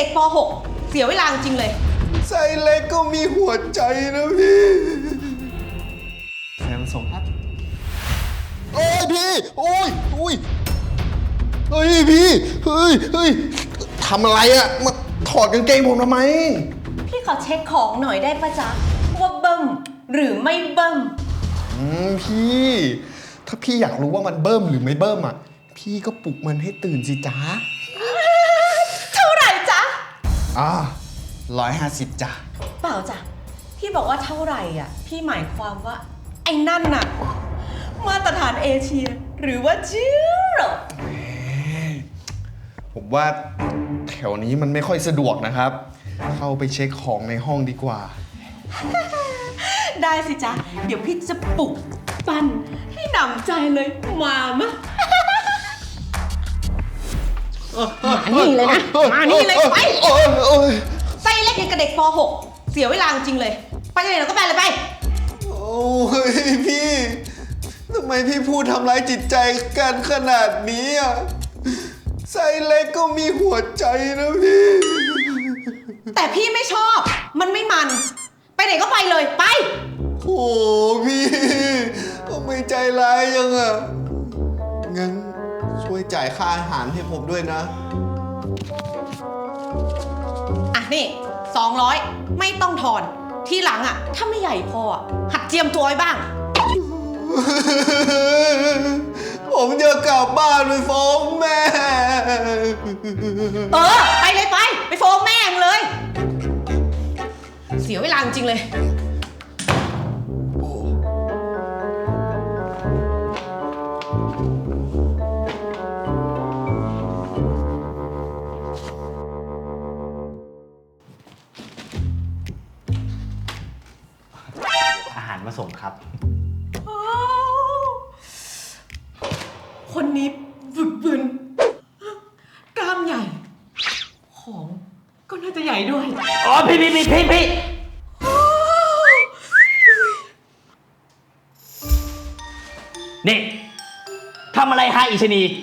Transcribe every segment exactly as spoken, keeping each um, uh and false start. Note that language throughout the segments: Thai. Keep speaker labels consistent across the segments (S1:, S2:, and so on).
S1: ด็กป .หก เสียเวลาจริงเลย
S2: ไซเล็กก็มีหัวใจนะพี่แซมส่งครับโอ้ยพี่โอ้ยโอ้ยเฮ้ยพี่เฮ้ยเฮ้ยทำอะไรอะมาถอดกางเกงผมทำไม
S1: พี่ขอเช็คของหน่อยได้ปะจ๊ะว่าเบิ้มหรือไม่เบิ้ม
S2: อืมพี่ถ้าพี่อยากรู้ว่ามันเบิ้มหรือไม่เบิ้มอ่ะพี่ก็ปลุกมันให้ตื่นสิจ๊ะ
S1: เท่าไหร่จ๊ะ
S2: อ่าร้อยห้าสิบจ้ะ
S1: เปล่าจ้ะพี่บอกว่าเท่าไหร่อ่ะพี่หมายความว่าไอ้นั่นน่ะมาตรฐานเอเชียหรือว่าจีโร
S2: ผมว่าแถวนี้มันไม่ค่อยสะดวกนะครับเข้าไปเช็คของในห้องดีกว่า
S1: ได้สิจ๊ะเดี๋ยวพี่จะปลุกปั้นให้หนำใจเลยมามะมานี่เลยนะมานี่เลยไปไส้เล็กอย่างกับเด็กป .หก เสียเวลาจริงเลยไปไหนเราก็ไปเลยไป
S2: โอ้ยพี่ทำไมพี่พูดทำร้ายจิตใจกันขนาดนี้อ่ะไส้เล็กก็มีหัวใจนะพี่
S1: แต่พี่ไม่ชอบมันไม่มันไปไหนก็ไปเลยไป
S2: โอ้พี่ทำไมใจร้ายยังอ่ะงั้นช่วยจ่ายค่าอาหารให้ผมด้วยนะ
S1: อ่ะนี่สองร้อยไม่ต้องทอนทีหลังอ่ะถ้าไม่ใหญ่พอหัดเจียมตัวไว้บ้าง
S2: ผมจะกลับบ้านไปฟ้องแม่
S1: เออไปเลยไปไปฟ้องแม่มึงเลยเสียเวลาจริงเลย
S3: อาหารมาส่งครับ
S1: คนนี้บึกบึนกล้ามใหญ่ของก็น่าจะใหญ่ด้วย
S3: อ๋อพี่พี่พี่พี่พี่นี่ทำอะไรฮะอิชนี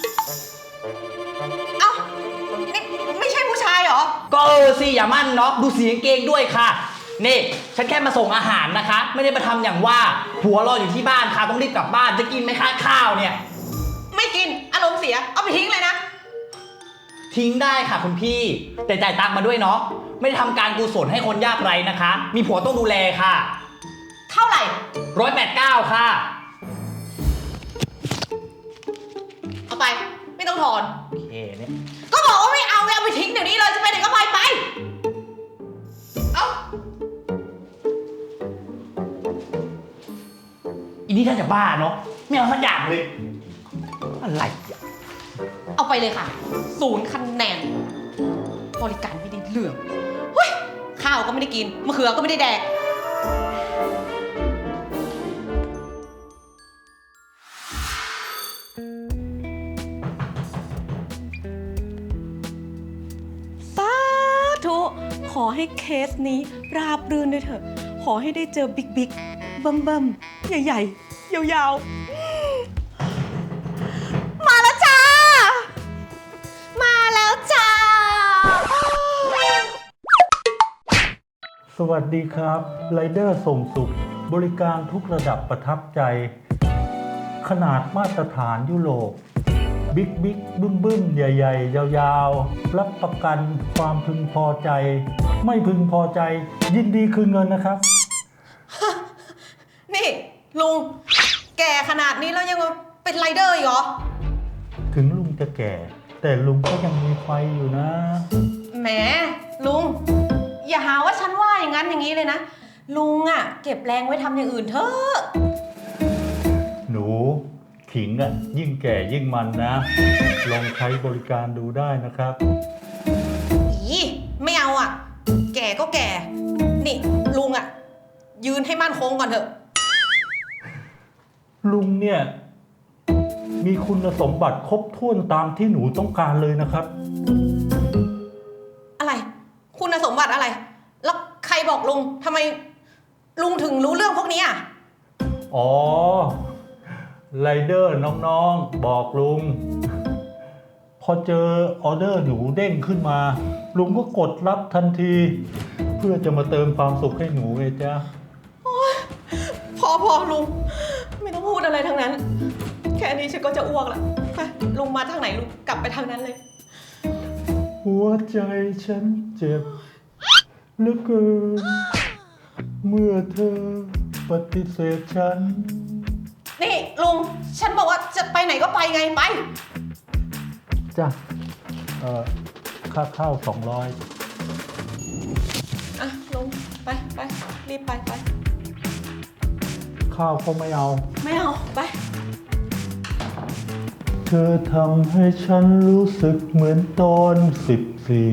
S1: เอ้านี่ไม่ใช่ผู้ชายเหรอ
S3: ก็เออสิอย่ามั่นเนาะดูสีกางเกงด้วยค่ะนี่ฉันแค่มาส่งอาหารนะคะไม่ได้มาทำอย่างว่าผัวรออยู่ที่บ้านค่ะต้องรีบกลับบ้านจะกินไหมคะข้าวเนี่ย
S1: ไม่กินอารมณ์เสียเอาไปทิ้งเลยนะ
S3: ทิ้งได้ค่ะคุณพี่แต่จ่ายตังค์มาด้วยเนาะไม่ได้ทำการกุศลให้คนยากไร้นะคะมีผัวต้องดูแลค่ะ
S1: เท่าไหร่
S3: ร้อยแปดเก้าค่ะ
S1: เอาไปไม่ต้องถอน
S3: โอเคเนี่ย
S1: ก็บอกว่าไม่เอาเอาไปทิ้งเดี๋ยวนี้เลยจะไปไหนก็ไปไปเอา
S3: อีนี่ท่านจะบ้าเนาะไม่เอาสักอย่างเลยอะไรอ่ะ
S1: เอาไปเลยค่ะศูนย์คะแนนบริการไม่ได้เรื่องเฮ้ยข้าวก็ไม่ได้กินมะเขือก็ไม่ได้แดกสาธุขอให้เคสนี้ราบรื่นด้วยเถอะขอให้ได้เจอบิ๊กบิ๊กเบิ่มเบิ่มใหญ่ๆยาวๆมาแล้วจ้ามาแล้วจ้า
S4: สวัสดีครับไรเดอร์ส่งสุขบริการทุกระดับประทับใจขนาดมาตรฐานยุโรปบิ๊กบิ๊กบึ้มบึ้มใหญ่ๆยาวๆรับประกันความพึงพอใจไม่พึงพอใจยินดีคืนเงินนะครับ
S1: นี่ลุงแก่ขนาดนี้แล้วยังเป็นไรเดอร์อีกเหรอ
S4: ถึงลุงจะแก่แต่ลุงก็ยังมีไฟอยู่นะ
S1: แหมลุงอย่าหาว่าฉันว่าอย่างนั้นอย่างนี้เลยนะลุงอ่ะเก็บแรงไว้ทำอย่างอื่นเถอะ
S4: หนูขิงอ่ะยิ่งแก่ยิ่งมันนะลองใช้บริการดูได้นะครับ
S1: อีไม่เอาอ่ะแก่ก็แก่นี่ลุงอ่ะยืนให้มั่นคงก่อนเถอะ
S4: ลุงเนี่ยมีคุณสมบัติครบถ้วนตามที่หนูต้องการเลยนะครับ
S1: อะไรคุณสมบัติอะไรแล้วใครบอกลุงทำไมลุงถึงรู้เรื่องพวกนี้อ่ะ
S4: อ๋อไรเดอร์น้องๆบอกลุงพอเจอออเดอร์หนูเด้งขึ้นมา ลุงก็กดรับทันที เพื่อจะมาเติมความสุขให้หนูไงจ๊ะ
S1: พอพอลุง ไม่ต้องพูดอะไรทั้งนั้น แค่นี้ฉันก็จะอ้วกแล้วไปลุงมาทางไหนลุงกลับไปทางนั้นเลย
S4: หัวใจฉันเจ็บเหลือเกิน เมื่อเธอปฏิเสธฉัน
S1: นี่ลุง ฉันบอกว่าจะไปไหนก็ไปไงไป
S4: จ้ะ เอ่อ ค่าข้าวสองร้อย
S1: อ่ะลุงไปไปรีบไปไป
S4: ข้าวก็ไม่เอา
S1: ไม่เอาไป
S4: เธอทำให้ฉันรู้สึกเหมือนตอนสิบสี่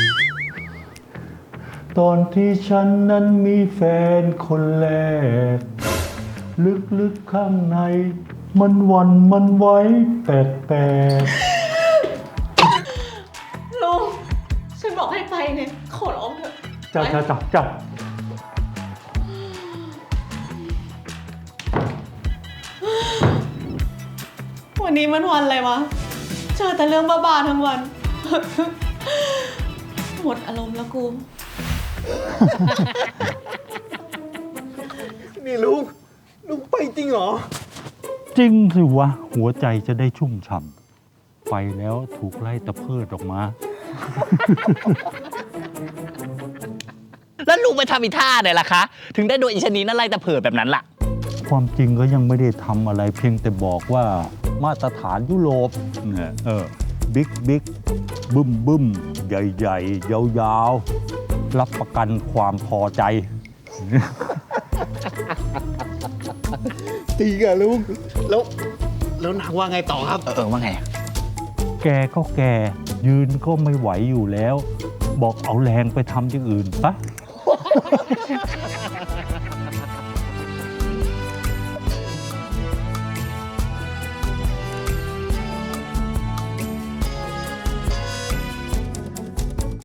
S4: ตอนที่ฉันนั้นมีแฟนคนแรก ลึกๆข้างใน มันหวันมันไหวแปลก
S1: ลุง ฉันบอกให้ไปไงขอร้องเถอะ
S4: ๆจับ
S1: ไป
S4: จับจับจับ
S1: วันนี้มันวันอะไรวะ เจอแต่เรื่องบ้าๆทั้งวัน หมดอารมณ์แล้วกู
S2: นี่ลุง ลุงไปจริงเหรอ
S4: จริงสิวะ หัวใจจะได้ชุ่มฉ่ำไปแล้วถูกไล่ตะเพิดออกมา
S3: แล้วลุงไปทำอีท่าไหนล่ะคะ ถึงได้โดนอีชะนีนั่นไล่ตะเพิดแบบนั้นล่ะ
S4: ความจริงก็ยังไม่ได้ทำอะไรเพียงแต่บอกว่ามาตรฐานยุโรปเนี่ยเออบิ๊กบิ๊กบึ้มบึ้มใหญ่ใหญ่ยาวยาวๆ รับประกันความพอใจ
S2: จริงอะลุง แล้ว แล้วนางว่าไงต่อครับ
S3: เออเออว่าไงอะ
S4: แกก็แกยืนก็ไม่ไหวอยู่แล้ว บอกเอาแรงไปทำอย่างอื่นปะ